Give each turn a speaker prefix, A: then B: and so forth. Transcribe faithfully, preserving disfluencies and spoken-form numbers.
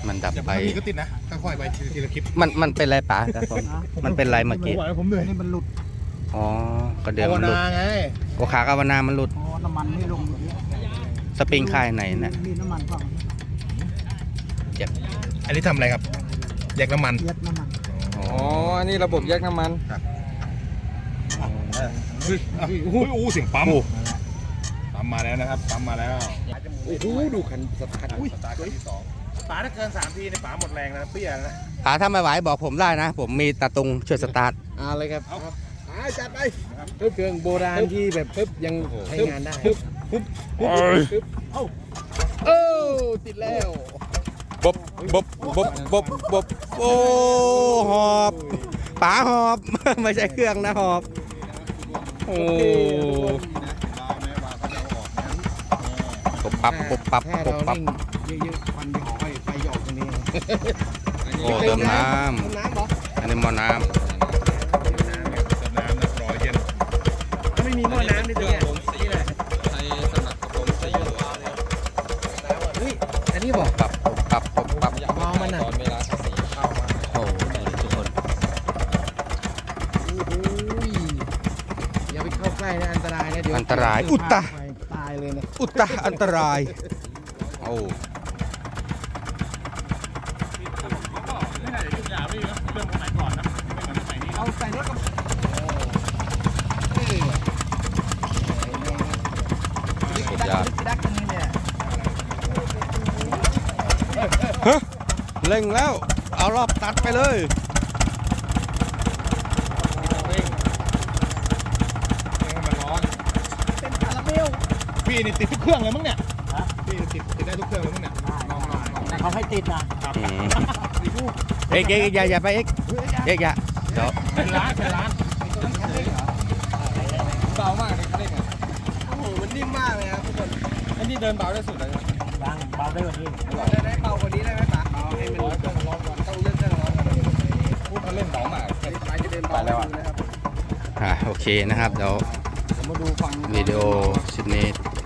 A: มันดับ
B: เดี๋ยว
A: ไป
B: บางทีก็ติดนะค่อยๆไปทีละคลิป
A: มันมันเป็นไรป๋าครับผมมันเป็นไรเมื่อกี้
B: ผมไหวผมเหนื่อย
C: นี่มันหลุด
A: อ๋อก็เดือ
B: ภาว
A: มันหลุด
B: นาไง
A: โอขากาวนามันหลุด
C: อ๋อน้ำมันไม่ลง
A: สปริงค่ายไหนเนี่ย
C: มีน้ำมันเปล่า
B: อันนี้ทำอะไรครับแยกน้ำมัน
C: เย็ดน้ำมัน
A: อ๋อ
D: อ๋อ อันนี้ระบบแยกน้ำมัน
B: เฮ้ยอู้อู้เสียงปั๊มปั๊มมาแล้วนะครับปั๊มมาแล้ว
D: โอ้โห ดูคันสตาร์ท
B: อุ้ยสตาร์ทครั้งที่สองป๋าถ้าเกินสามทีในป๋าหมดแรงนะเปี้ยนะ
A: ป๋าถ้าไม่ไหวบอกผมได้นะ ผมมีตาตุงช่วยสตาร์ท
D: อ่าเลยครับ
B: เอาครับป๋าจัดไป
D: เครื่องโบราณที่แบบปึ๊บยังใช้งานได้
B: ปึ๊บปึ๊บปึ๊บปึ๊บเอ้า
D: เอ้ติดแล้ว
A: บบบบบบบบบบโอ้หอบป๋าหอบ ไม่ใช่เครื่องนะหอบโอ้ปุ๊บปั๊บปุ๊บปั๊บ
D: ถ้า
A: ปุ๊บ
D: เรา
A: ปั๊บ
D: นิ่งเยอะๆควันจะออกไปไฟหยอกตรงนี้
A: โอ้เติมน้
D: เติมน้ำเหรอ
A: ำอันนี้หมอน้
B: น้ำน้ำนะรอเย็น
D: ถ้าไม่มีหม้อน้ำนี่ตัวเนี้ยนี่แหละ
E: ใช้สำหรับกระผมใส่อยู่ว่าเนี่ย
D: เฮ้ยอันนี้บอก
A: ำปั๊บปุ๊บปั๊บปุ๊บปั๊บ
E: อยากให้ตอนเวลาภาษีเข้ามา
A: โอ้ทุกคน
D: โอ้โหอย่าไปเข้าใกล้นะอันตรายนะเดี๋ยว
A: อันตรายอุตตะ
D: ตายเลยนะ
A: อุตตะอันตรายโอ้
C: เอาใส่รถกับ
A: สุดยอด
C: ดักกันนี่เนี่ย
A: ฮะเร่งแล้ว เอารอบตัดไปเลย
B: มันร้อน
C: เป็นคาราเมล
B: พี่นี่ติดทุกเครื่องเลยมั้งเนี่ยพี่ติดติดได้ทุกเครื่องเลยมั้งเนี่ยลองลองลอง
C: แต่เขาให้ติดนะ
A: อืมเอ็กเอ็กอย่าอย่าไปเอ็กเอ็กอย่าเดี๋ยว
B: เป็นล้านเป็นล้าน
E: เบามากเลยเขาเรียกไง
D: โอ้โหมันนิ่มมากเลยครับทุกคน
E: อันนี้เดินเบาได้สุดเลยนะ
C: บางเบาได้กว่านี้
D: ได้ได้เบากว่านี้ได้ไหมป๋าเอาให้มันร้อนก่อนร้อนก่อนต้องเลื่อนเครื่องร้อนก่อน
E: พูดเขาเล่นเบามาก
D: ไปจะเดินเบาไปแล้วนะครับ
A: อ่าโอเคนะครับเดี๋ยว
D: ผมมาดูฟัง
A: วิดีโอชิ้นนี้